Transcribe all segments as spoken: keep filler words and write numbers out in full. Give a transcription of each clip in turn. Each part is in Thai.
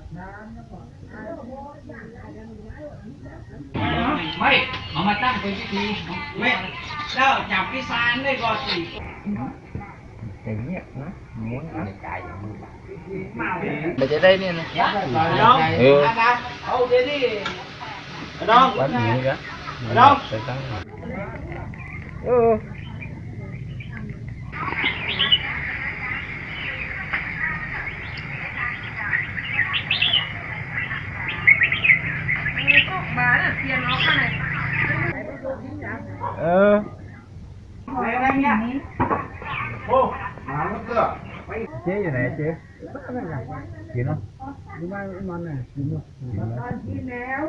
ไม่เอามาตั้งเป็นพิธีไม่แล้วจับพิซานได้ก่อนสิอย่างเงี้ยนะม้วนอะไรใจอย่างนี้มันจะได้เนี่ยนะเออเอาเดี๋ยวนี้น้องวันนี้ก็น้องเออเอออะไรเนี่ยโอ้มาแล้วเสื้อเจ๊อยู่ไหนเจ๊กินเนาะดูบ้านมันน่ะกินเนาะกินแล้ว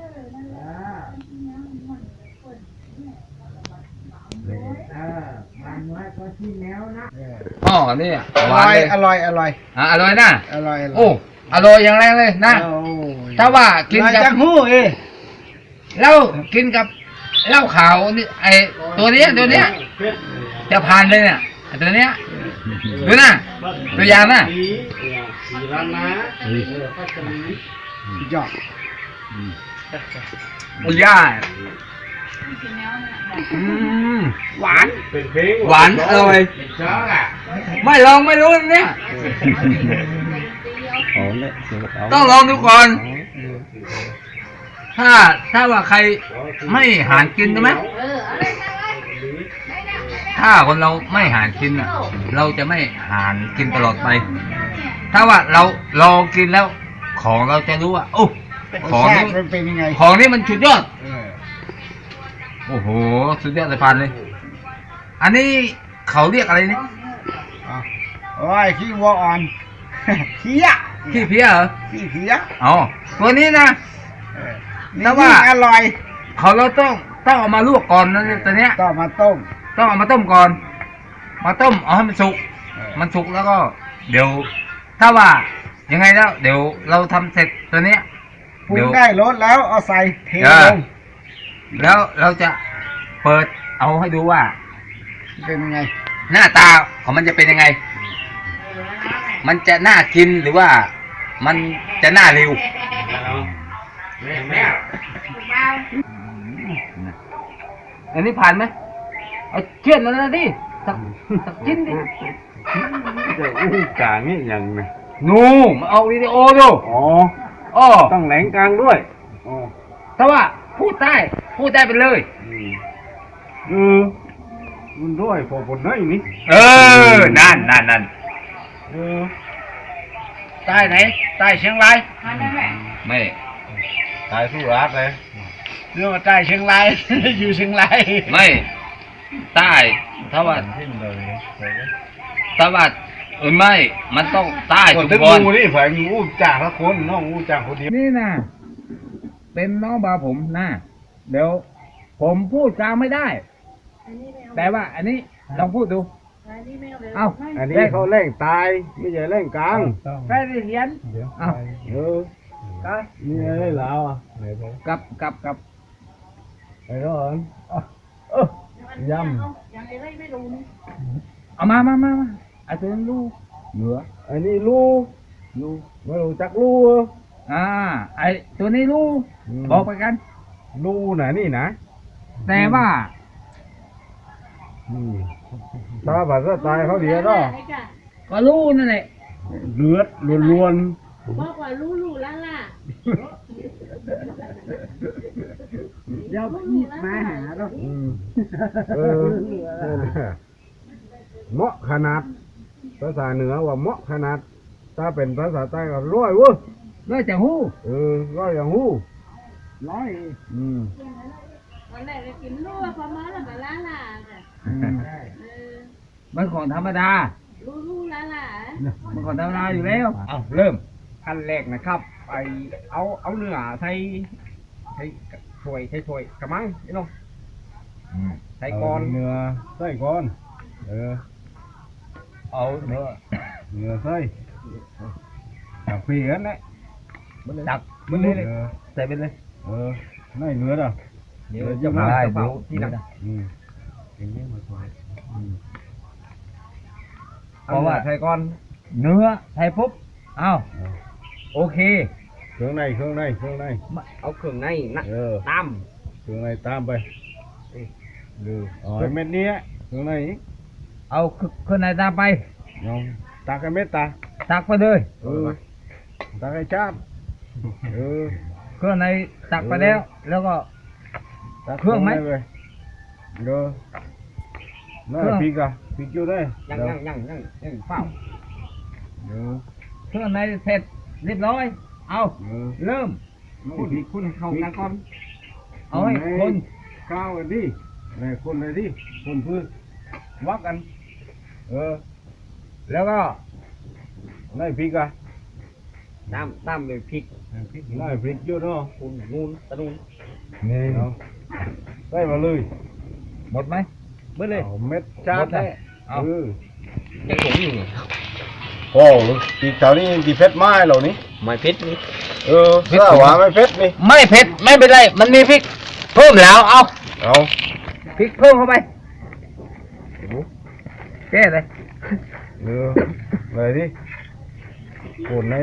อ๋อนี่อร่อยอร่อยอร่อยอ่ะอร่อยนะอร่อยโอ้อร่อยอย่างแรงเลยนะถ้าว่ากินกับหูเอแล้วกินกับเหล้าขาวนี่ไอตัวนี้ตัวเนี้ยจะผ่านเลยเนี่ยตัวเนี้ยดูนะตัวอย่างนะสีร้านนะยอดอุย่าหวานหวานอร่อยไม่ลองไม่รู้เนี่ยต้องลองดูก่อนถ้าถ้าว่าใครไม่หารกินใช่ไหมถ้าคนเราไม่หารกินอ่ะเราจะไม่หารกินตลอดไปถ้าว่าเราลองกินแล้วของเราจะรู้ว่าโอ้ของนี้เป็นยังไงของนี้มันสุดยอดโอ้โหสุดยอดเลยพันเลยอันนี้เขาเรียกอะไรนี่โอ้ยขี้วัวอ่อนเพี้ยขี้เพี้ยเหรอขี้เพี้ยอ๋อตัวนี้นะแต่ว่าอร่อยเขาเราต้องต้องเอามาลวกก่อนนะตัวเนี้ยต้องมาต้มต้องเอามาต้มก่อนมาต้มเอาให้มันสุกมันสุกแล้วก็เดี๋ยวถ้าว่ายังไงแล้วเดี๋ยวเราทำเสร็จตัวเนี้ยปรุงได้รสแล้วเอาใส่เทลงแล้วเราจะเปิดเอาให้ดูว่าเป็นยังไงหน้าตาของมันจะเป็นยังไงมันจะน่ากินหรือว่ามันจะน่าเร็วอันนี้ผ่านไหมเอาเชือกมันนะดิสักสักชิ้นดิจะอู้กลางนี่ยังไงนูมาเอาวิดีโอดูอ๋ออ๋อต้องแหลงกลางด้วยอ๋อถ้าว่าพูดได้พูดได้ไปเลยเออมันด้วยพอผลน้อยนี่เออนั่นนั่นนั่นเออใต้ไหนใต้เชียงรายไม่ตายสู้รัดเลยเรื่องว่าใต้เชียงรายอยู่เชียงรายไม่ใต้ถ้าว่าถ้าว่าเออไม่มันต้องใต้ทุกคนนี่ฝ่ายงูจ่าละคนน้องงูจ่าคนเดียวนี่นะเป็นน้องบาผมนะเดี๋ยวผมพูดกลางไม่ได้แต่ว่าอันนี้ลองพูดดูเอาอันนี้เขาเล่งตายไม่ใช่เล่งกลางแค่เรียนเอาเออนี่อะไรเหรอกับกับกับไอ้ร้อนยำเอามามามามาไอ้ตัวนั้นลูกเหนืออันนี้ลูกลูกไม่รู้จักลูกอ่าไอ้ตัวนี้ลูกบอกไปกันลูกไหนนี่นะแต่ว่าถ้าแบบตายเขาเดียวก็ก็ลูกนั่นแหละเลือดล้วนบอกว่าลูลูล่ะล่ะเดี๋ยวพี่มาหาเราเออเหมาะขนาดภาษาเหนือว่าเหมาะขนาดถ้าเป็นภาษาใต้ก็ร้อยวุ้ร้อยจังหู้เออร้อยอย่างหู้ร้อยอืมวันแรกจะกินลูกพอมาแล้วก็ล่ะล่ะมันของธรรมดาลูลูล่ะล่ะมันของธรรมดาอยู่แล้วเอาเริ่มขั้นแรกนะครับไปเอาเอาเนื้อใส่ใส่ถ้วยใส่ถ้วยกระมังนี่น้องใส่ก้อนเนื้อใส่ก้อนเออเอาเนื้อเนื้อใส่จับปีกันเลยจับมันเลยใส่ไปเลยเออไม่เนื้อหรอเดี๋ยวจะมาได้เดี๋ยวที่นั่นอืมอย่างนี้มาถอยเพราะว่าใส่ก้อนเนื้อใส่ปุ๊บเอาโอเคเครื่องในเครื่องในเครื่องในเอาเครื่องในนะเออตามเครื่องในตามไปดูอ๋อไอ้เม็ดเนี้ยเครื่องในเอาเครื่องในตามไปน้องตักไอ้เม็ดตาตักไปเลยเออตักไอ้ชาบเออเครื่องในตักไปแล้ว แล้วก็ตักเครื่องไหมในปเด้อนั่นเครื่องพริกอะพริกอยู่ได้ยังยังยังยังยังเฝ้าเออเครื่องในเสร็จเรียบร้อย เอาเออเริ่มคุณคุณเข้ากันก่อนเอาให้คนข้าวกันดิไหนคนเลยดิคนพื้นวักกัน เออแล้วก็นายพริกอะตามตามด้วยพริกนายพริกเยอะเนาะคุณนูนตะนูนนี่เอาได้มาเลยหมดไหมเบิดเลยเอาเม็ดชาหมดดเลยได้เอาเออยังถุงอยู่โอ้ปีกแถวนี้ดีเพชรไม้เหล่านี้ไม่เผ็ดนี่เออเสื้อหวานไม่เพชรนี่ไม่เผ็ดไม่เป็นไร มันมีพริก เพิ่มแล้ว เอาเอาพริกเพิ่มเข้าไปแก้เลยเออเลยดิคนใน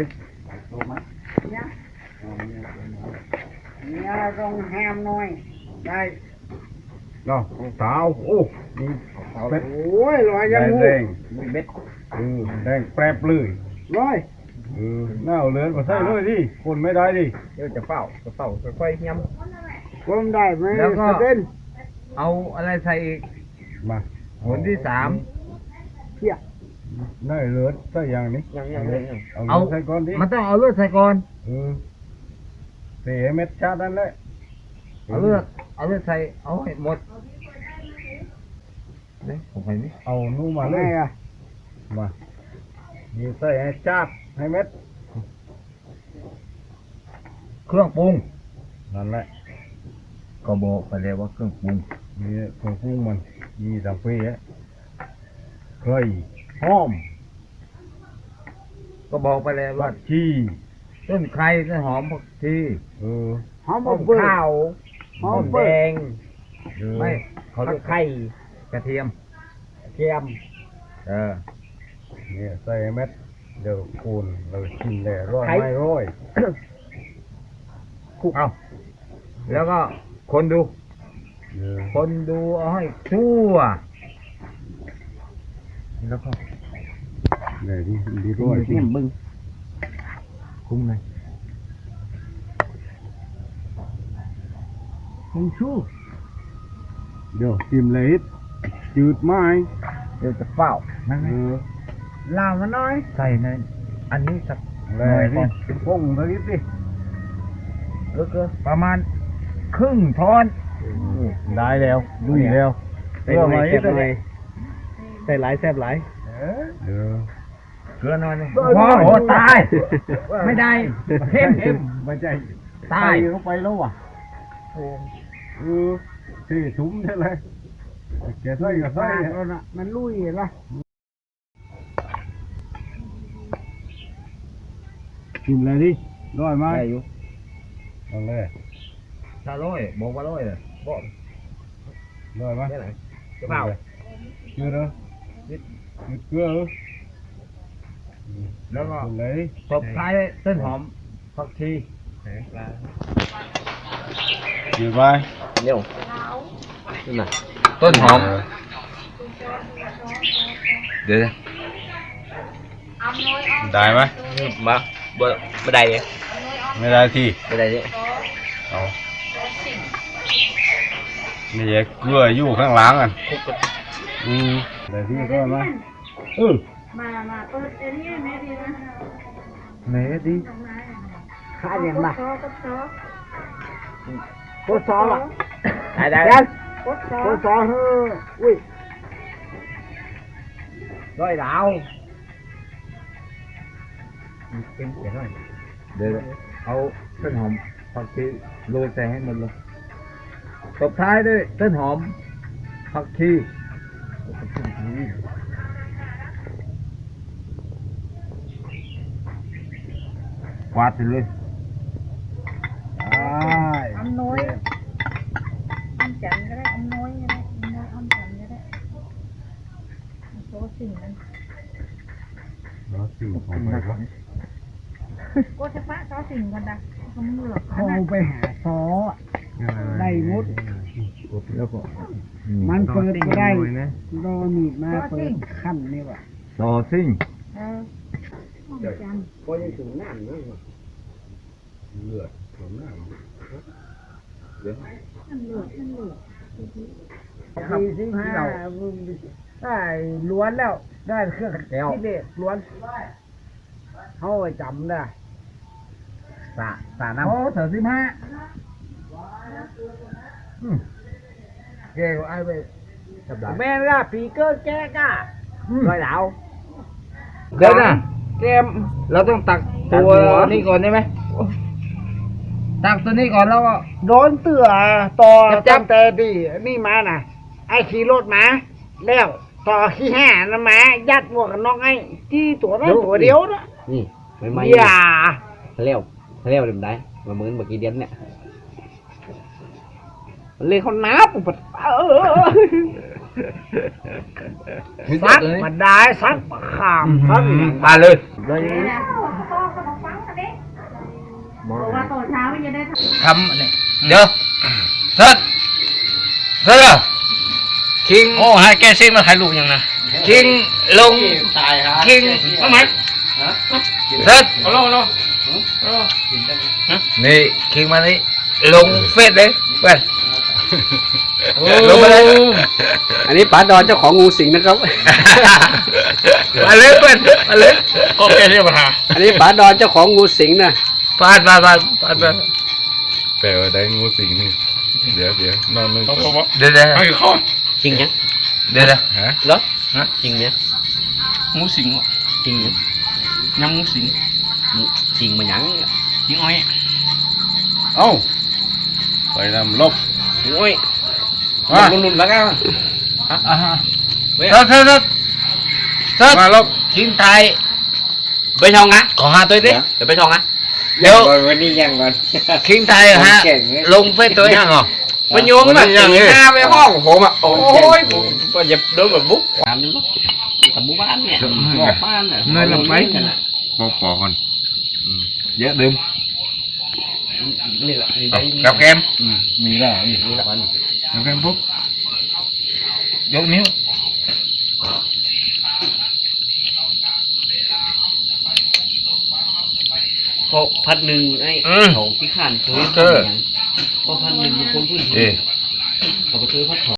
เนี่ยต้องแฮมหน่อยได้เนาะเท้าโอ้นี่เป็ดโอ้ยลอยแดยังงงูแดงมีเม็ดเออแดงแปรบเลยลอยเออหน้าเอาเลือนมาใส่เลยดิคนไม่ได้ดิเดี๋ยวจะเฝ้าจะเฝ้าค่อยๆย้ก้มได้ไหมแล้วก็สะเด็นำเอาอะไรใส่อีกมาหนที่สามเพี้ยหน้าเลือนใส่อย่างนี้ยังยังยังยังเอาเอาเลือนใส่ก่อนดิมันต้องเอาเลือดใส่ก่อนเออเสียเม็ดชาตินั่นแหละเอาเลือดเอาเลือดใส่เอาให้หมดเนี่ยผมไปนี่เอานู่นมาเลไงยอ่ะมานี่ใส่ให้ชาติให้เม็ดเครื่องปรุงนั่นแหละก็บอกไปแล้วว่าเครื่องปรุงนี่ของปรุงมันมีสังเพียเคยหอมก็บอกไปแล้วผัว่ากชีต้นไคร้ต้นหอมผักชีเออหอมหอมเปิ้ลข้าวหอมเปิ้ลเออไม่เขาเรียกไข่กระเทียมเทียมเออเนี่ยใส่เม็ดเดี๋ยวคูณเราชิมเลยร้อยไม่ร้อยคลุกเอาแล้วก็คนดูเออคนดูเอาให้ทั่วแล้วก็เลยดิดีร้อยสิเนี่ยบึ้งคุ้มเลยคงชูเดี๋ยวชิมเลยจืดไหมเดี๋ยวจะเฝ้านั่นไงเออลาวมาหน่อยใส่ในอันนี้สักหเลน่อยยก่อนดิพุ่งตะกี้สิเออๆประมาณครึ่งช้อนได้แล้วลุยแล้วใส่หน่อยเพื่ใส่อหน่มาอยใส่หลายแซ่บหลายเออเกลือหน่อยหนึงได้โอ้โหได้ตาย ไม่ได้เข้มเข้มไม่ใช่ตายใส่เข้าไปแล้วว่ะเออสี่ถุงใช่ไหมแกใส่ก็ใส่ฟาดแล้วนะมันลุยละกินเลยดิร้อยไหมได้อยู่เอาเลยถ้าร้อยบอกว่าร้อยเลยบอกร้อยไหมได้ไหนจะเปล่าเกลือเหรอนิดเกลือเหรอแล้วก็กินเลยตบท้ายต้นหอมผักชีกินไปเร็วนี่น่ะต้นหอม เดี๋ยวได้ไหมมาบ่บ่ได้เลยไม่ได้ที่บ่ได้เลยเอานี่ยเกลืออยู่ข้างหลังอ่ะคุกกับอืมได้ที่ก็มาเออมามาเปิดเอ็นนี่แม่ดีนะไหนดีข้าเรียนมาซอก็ซอโคตรซอละได้ได้ยันกดซอโคตรซอเฮ้ออุ้ยร้อยดาวเป็นเดี๋ยวหน่อยเดี๋ยวเอาต้นหอมผักชีโรยใส่ให้หมดเลยตบท้ายด้วยต้นหอมผักชีกวาดไปเลยได้อำน้อยอำจันก็ได้อำน้อยก็ได้อำน้อยอำจันก็ได้โซสิ่งนั้นแล้วสิ่งของไปวะก็เฉพาะซอสิ่งกันนะก็มึงเหลือโทรไปหาซอได้หมดแล้วก็มันเปิดบ่ได้รอมีดมาเปิดขั้นนี่ว่ะซอซิ่งเออห้องจันทร์ก็ยังถึงน้ำนั่นเลือดของน้ำเดี๋ยวท่านเหลือท่านเหลือสี่สิบห้าได้ล้วนแล้ว ได้เครื่องที่เด็ดล้วนเขาไปจำได้สาสาน้ำโอ้สามสิบห้าแกก็ไอ้ไปจับได้แม่ล่ะปีเกอร์แกก้าลอยดาวเดี๋ยวนะเกมเราต้องตักตัวนี้ก่อนได้ไหมตักตัวนี้ก่อนแล้วก็โดนเตือต่อจับตั้งแต่ดีนี่มาน่ะ ไอ้ขี่รถมา แล้วต่อขี้แห่นะมายัดหมวกกันน็อกไอ้ที่ตัวนั้นตัวเดียวนะนี่ไม่ไม่อย่าเลี้ยวเลี้ยวเดิมได้มาเหมือนเมื่อกี้เดียนเนี่ยมันเลยเขานับอุปดเออซักมันได้ซักขามซักมาเลยเลยนะพ่อก็มาฟังกันดิบอกว่าตอนเช้าไม่จะได้ทำทำอันนี้เดี๋ยวเสร็จเสร็จแล้วคิงโอ้ให้แกซิ่งมาถ่ายรูปยังนะคิงลงตายฮะคิงทำไมเสร็จเอาลงลงนี่คิงมานี่ลงเฟซเลยเพื่อนลงไปเลยอันนี้ป๋าดอนเจ้าของงูสิงนะครับมาเลยเพื่อนมาเลยก็แกเรียกมาอันนี้ป๋าดอนเจ้าของงูสิงนะปาดปาดปาดปาดปาดแต่ว่าได้งูสิงนี่เดี๋ยวเดี๋ยวนอนนึงเดี๋ยวเดี๋ยวจริงยังเดี๋ยวเดี๋ยวฮะเหรอฮะจริงเนี่ยงูสิงจริงเนี่ยยังงูสิงจริงมาหยังจริงอ้อยเอ้าไปนำลบจริงอ้อยมาลุ่นๆแล้วกันอ่าฮะเสร็จเสร็จเสร็จเสร็จมาลบคิงไทยไปช่องนะขอหาตัวดิเดี๋ยวไปช่องนะเดี๋ยววันนี้ยังก่อนคิงไทยฮะลงเฟซตัวยังเหรอไปโยงแบบตีหน้าไปห้องผมอ่ะโอ้ยผมก็อย่าโดนแบบบุ๊กตามนู้นตามหมู่บ้านเนี่ยหมู่บ้านเนี่ยเนยลงไปปอกปอกก่อนเยอะดื่มนี่แหละนี่กับแกมมีแล้วอีกนี่แหละมันแล้วกันปุ๊บยกนิ้วพอพัดหนึ่งไอ้ของที่ข้านเคยพอพัดหนึ่งคนพูดเอ๊ะเขาไปเคยพัดของ